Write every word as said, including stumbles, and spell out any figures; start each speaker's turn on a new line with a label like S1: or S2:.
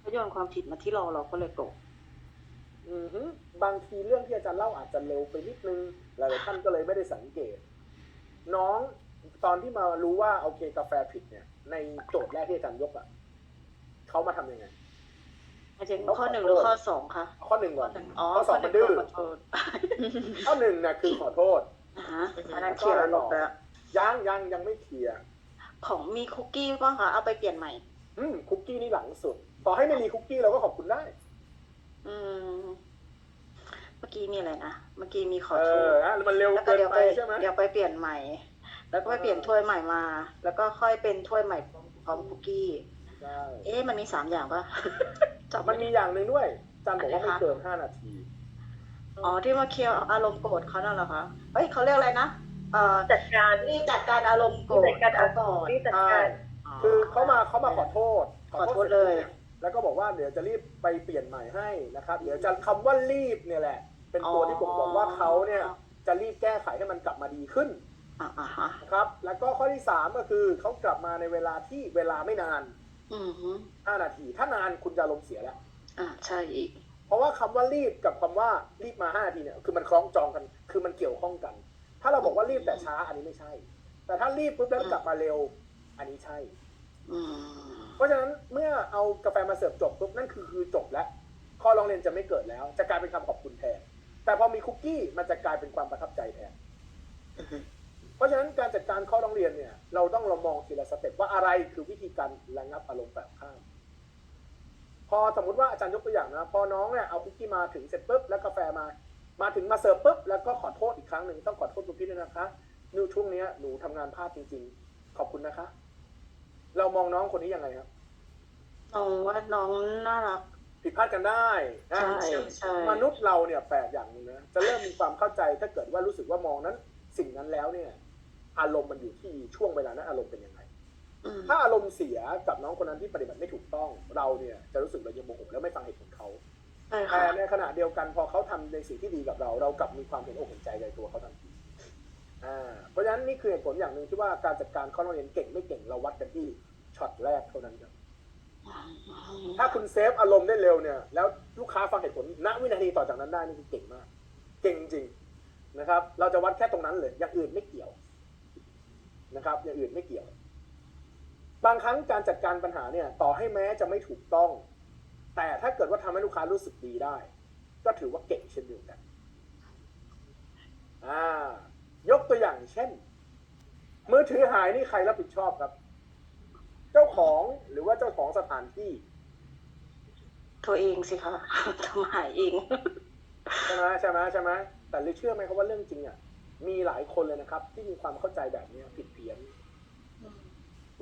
S1: เขาโยนความผิดมาที่เราเราก็เลยโกรธ
S2: อือฮึบางทีเรื่องที่อาจารย์เล่าอาจจะเร็วไปนิดนึงหลายๆท่านก็เลยไม่ได้สังเกตน้องตอนที่มารู้ว่าโอเคกาแฟผิดเนี่ยในโจทย์แรกที่อาจารย์ยกอ่ะเขามาทำยังไง
S1: อาจารย์ข้อหนึ่งหรือข้อสองคะ
S2: ข้อหนึ่งก่อน
S1: อ๋อ
S2: ข้อสองมันดื้อ
S1: ขอโทษ
S2: ข้อหนึ่งเนี่ยคือขอโทษ
S1: อ่าฮะอันนั้นเคลียร์แล้วลบแล้ว
S2: ยังยังยังไม่เคลียร์
S1: ของมีคุกกี้ป่ะคะเอาไปเปลี่ยนใหม่
S2: อืมคุกกี้นี่หลังสุดต่อให้ไม่มีคุกกี้เราก็ขอบคุณได้
S1: อืมเมื่อกี้มีอะไรนะเมื่อกี้มีขอ
S2: เอ
S1: โท
S2: อ
S1: ษ
S2: นะมันเร็ว
S1: แล้วก็
S2: เกิน
S1: เดี๋ยว
S2: ไป
S1: ไป
S2: ใช่ไหม
S1: เดี๋ยวไปเปลี่ยนใหม่ แล้วก็ไปเปลี่ยนถ้วยใหม่มา แล้วก็ค่อยเป็นถ้วยใหม่พร้อมคุกกี้
S2: ใช่
S1: เอ๊ะมันมีสามอย่างป่ะจบ
S2: มันมีอย่างหนึ่งด้วยอาจารย์บอกว่าไม่เกินห้านาที
S1: อ๋อที่มาเคลียร์อารมณ์โกรธเขานั่นเหรอคะเอ้ยเขาเรียกอะไรนะเอ่อ
S3: จัดการ
S1: นี่จัดการอารมณ์โกรธ
S3: จัดการ
S1: เขาก่อน
S3: นี่จัด
S2: ใช่
S3: การ
S2: คือเขามาเขามาขอโทษ
S1: ขอโทษเลย
S2: แล้วก็บอกว่าเดี๋ยวจะรีบไปเปลี่ยนใหม่ให้นะครับเดี๋ยวจะคำว่ารีบเนี่ยแหละ เป็นตัวที่ผมบอกว่าเขาเนี่ยจะรีบแก้ไขให้มันกลับมาดีขึ้น
S1: อ่าอ่าฮะ
S2: นะครับแล้วก็ข้อที่สามก็คือเขากลับมาในเวลาที่เวลาไม่นาน
S1: อือฮึ
S2: ห้านาทีถ้านานคุณจะลมณ์เสียแล้ว
S1: อ่าใช่อีก
S2: เพราะว่าคำว่ารีบกับคำว่ารีบมาห้านาทีเนี่ยคือมันคล้องจองกันคือมันเกี่ยวข้องกัน ถ้าเราบอกว่ารีบแต่ช้าอันนี้ไม่ใช่ แต่ถ้ารีบปุ๊บแล้วกลับมาเร็วอันนี้ใช่
S1: อืม
S2: เพราะฉะนั้นเมื่อเอากาแฟมาเสิร์ฟจบปุ๊บนั่นคือคือจบแล้วข้อร้องเรียนจะไม่เกิดแล้ว จะกลายเป็นคำขอบคุณแทนแต่พอมีคุกกี้มันจะกลายเป็นความประทับใจแทนเพราะฉะนั้นการจัดการข้อร้องเรียนเนี่ยเราต้องเรามองทีละสเต็ปว่าอะไรคือวิธีการระงับอารมณ์แบบข้ามพอสมมติว่าอาจารย์ยกตัวอย่างนะพอน้องเนี่ยเอาคุกกี้มาถึงเสร็จปุ๊บแล้วกาแฟมามาถึงมาเสิร์ฟปุ๊บแล้วก็ขอโทษอีกครั้งหนึ่งต้องขอโทษคุณพี่ด้วยนะคะนิวช่วงนี้หนูทำงานพลาดจริงๆขอบคุณนะคะเรามองน้องคนนี้ยังไงครับ
S1: น้องว่าน้องน่ารัก
S2: ผิดพลาดกันได้นะ
S1: ใช่ใช่
S2: มนุษย์เราเนี่ยแปลกอย่างหนึงนะจะเริ่มมีความเข้าใจถ้าเกิดว่ารู้สึกว่ามองนั้นสิ่งนั้นแล้วเนี่ยอารมณ์มันอยู่ที่ช่วงเวลานั้นอารมณ์เป็นยังไง
S1: อืม
S2: ถ้าอารมณ์เสียกับน้องคนนั้นที่ปฏิบัติไม่ถูกต้องเราเนี่ยจะรู้สึกเรายังโมโหแล้วไม่ฟังเหตุผลเขา
S1: ใช่
S2: แต่
S1: ค่ะ
S2: ในขณะเดียวกันพอเขาทำในสิ่งที่ดีกับเรา เรากลับมีความเห็นอกเห็นใจในตัวเขาทันทีอ่าเพราะฉะนั้นนี่คือเหตุผลอย่างหนึ่งที่ว่าการจัดการข้อร้องเรียนเก่งไม่เก่งเราวัดกันที่ช็อตแรกเท่านั้นครับถ้าคุณเซฟอารมณ์ได้เร็วเนี่ยแล้วลูกค้าฟังเหตุผลณวินาทีต่อจากนั้นได้นี่คือเก่งมากเก่งจริงนะครับเราจะวัดแค่ตรงนั้นเลยอย่างอื่นไม่เกี่ยวนะครับอย่างอื่นไม่เกี่ยวบางครั้งการจัดการปัญหาเนี่ยต่อให้แม้จะไม่ถูกต้อง แต่ถ้าเกิดว่าทำให้ลูกค้ารู้สึกดีได้ก็ถือว่าเก่งเช่นเดียวกันอ่ายกตัวอย่างเช่นมือถือหายนี่ใครรับผิดชอบครับเจ้าของหรือว่าเจ้าของสถานที่
S1: ตัวเองสิคะทำหายเอง
S2: ใช่ไหมใช่ไหมใช่ไหมแต่เลยเชื่อไหมครับว่าเรื่องจริงอ่ะมีหลายคนเลยนะครับที่มีความเข้าใจแบบนี้ผิดเพี้ยน